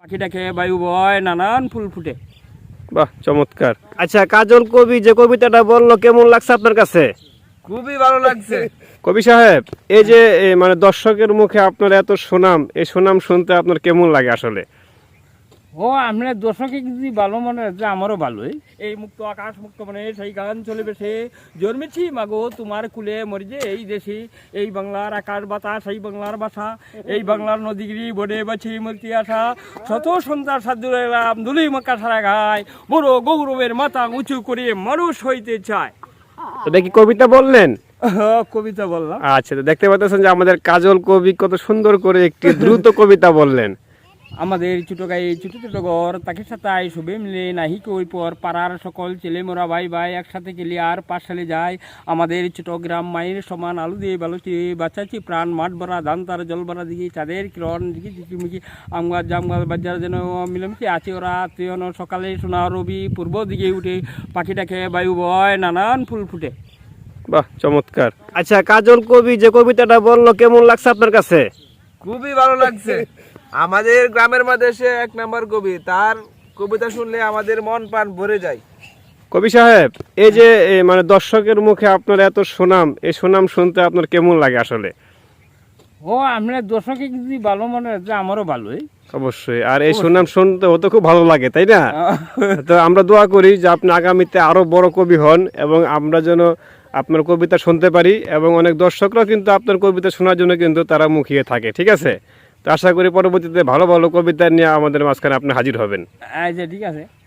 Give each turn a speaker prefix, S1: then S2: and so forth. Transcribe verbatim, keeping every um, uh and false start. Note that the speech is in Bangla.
S1: পাখিটা খেয়ে বায়ু বয়, নানান ফুল ফুটে।
S2: বাহ, চমৎকার। আচ্ছা, কাজল কবি যে কবিতাটা বললো কেমন লাগছে আপনার কাছে?
S1: খুবই ভালো লাগছে।
S2: কবি সাহেব, এই যে এ, মানে দর্শকের মুখে আপনার এত সুনাম, এই সুনাম শুনতে আপনার কেমন লাগে আসলে?
S1: ও আমরা দর্শকে যদি ভালো মনে হচ্ছে আমারও ভালোই। এই মুক্ত আকাশ মুক্ত মানে সেই গান চলে বেশে জন্মেছি মাগো তোমার কুলে মরি যে এই দেশে, এই বাংলার আকাশ বাতাস, এই বাংলার ভাষা, এই বাংলার নদীগিরি বনে বাছি মূর্তি আসা, শত সন্তান সাধুর এলাম দুলি মাকা সারা গায়, বড় গৌরবের মাথা উঁচু করে মানুষ হইতে চায়।
S2: এটা কি কবিতা বললেন?
S1: কবিতা বললাম।
S2: আচ্ছা, তো দেখতে পাচ্ছেন যে আমাদের কাজল কবি কত সুন্দর করে একটি দ্রুত কবিতা বললেন।
S1: আমাদের ছোট গায়ে ছোট ছোট ঘর, তাকে সাথে শুভে মিলে নাহি কই পর, পাড়ার সকল ছেলে মোরা ভাই ভাই একসাথে গেলে আর পাঠশালে যায়। আমাদের ছোট গ্রাম মায়ের সমান আলু দিয়ে বালুচি বাঁচাচ্ছি প্রাণ, মাঠ ভরা ধান তার জল ভরা দিকে চাঁদের কিরণ দিকে ঝিকিমিকি আম গাছ জাম গাছ বাজার যেন মিলেমিশে আছে ওরা আত্মীয়। সকালে সোনা রবি পূর্ব দিকে উঠে, পাখিটা খেয়ে বায়ু বয়, নানান ফুল ফুটে।
S2: বাহ, চমৎকার। আচ্ছা, কাজল কবি যে কবিতাটা বললো কেমন লাগছে আপনার কাছে?
S3: খুবই ভালো লাগছে। আমাদের গ্রামের মধ্যে সে এক নাম্বার কবি, তার কবিতা শুনলে আমাদের মন প্রাণ ভরে যায়।
S2: কবি সাহেব, এই যে এ, মানে দর্শকের মুখে আপনার এত সুনাম, এই সুনাম শুনতে আপনার কেমন লাগে আসলে?
S1: ও আমরা দর্শকে যদি ভালো মনে হচ্ছে আমারও ভালোই।
S2: অবশ্যই। আর এই সুনাম শুনতে হতে খুব ভালো লাগে, তাই না? তো আমরা দোয়া করি যে আপনি আগামীতে আরো বড় কবি হন এবং আমরা যেন আপনার কবিতা শুনতে পারি, এবং অনেক দর্শকরাও কিন্তু আপনার কবিতা শোনার জন্য কিন্তু তারা মুখিয়ে থাকে। ঠিক আছে, তো আশা করি পরবর্তীতে ভালো ভালো কবিতা নিয়ে আমাদের মাঝখানে আপনি হাজির হবেন।
S1: আচ্ছা, ঠিক আছে।